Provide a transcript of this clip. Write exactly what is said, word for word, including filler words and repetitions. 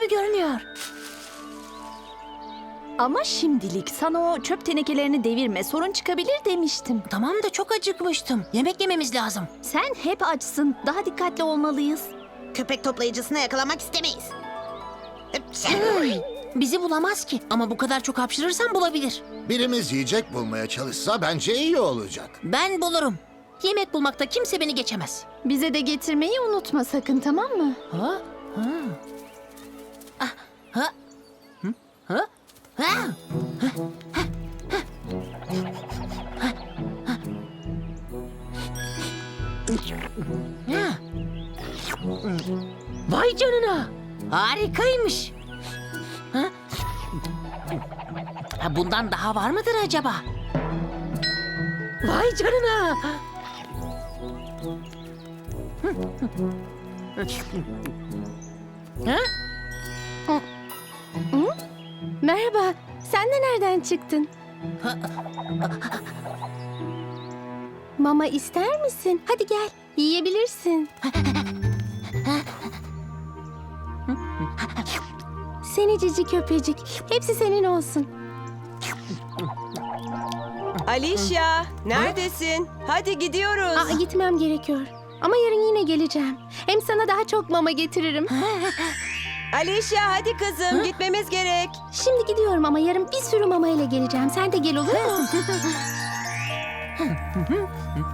gibi görünüyor. Ama şimdilik sana o çöp tenekelerini devirme, sorun çıkabilir demiştim. Tamam da çok acıkmıştım. Yemek yememiz lazım. Sen hep açsın, daha dikkatli olmalıyız. Köpek toplayıcısını yakalamak istemeyiz. Hey, bizi bulamaz ki. Ama bu kadar çok hapşırırsan bulabilir. Birimiz yiyecek bulmaya çalışsa bence iyi olacak. Ben bulurum. Yemek bulmakta kimse beni geçemez. Bize de getirmeyi unutma sakın, tamam mı? Ha? Ha? Ah, ha? Hı? Ha? Ha? Ha? Ha? Ha? Vay canına! Harikaymış. Ha? Ha, bundan daha var mıdır acaba? Vay canına! Ha? Merhaba, sen de nereden çıktın? Mama ister misin? Hadi gel, yiyebilirsin. Seni cici köpecik, hepsi senin olsun. Alicia, neredesin? Hadi gidiyoruz. Aa, gitmem gerekiyor. Ama yarın yine geleceğim. Hem sana daha çok mama getiririm. Alicia, hadi kızım, gitmemiz gerek. Şimdi gidiyorum ama yarın bir sürü mama ile geleceğim. Sen de gel, olur mu?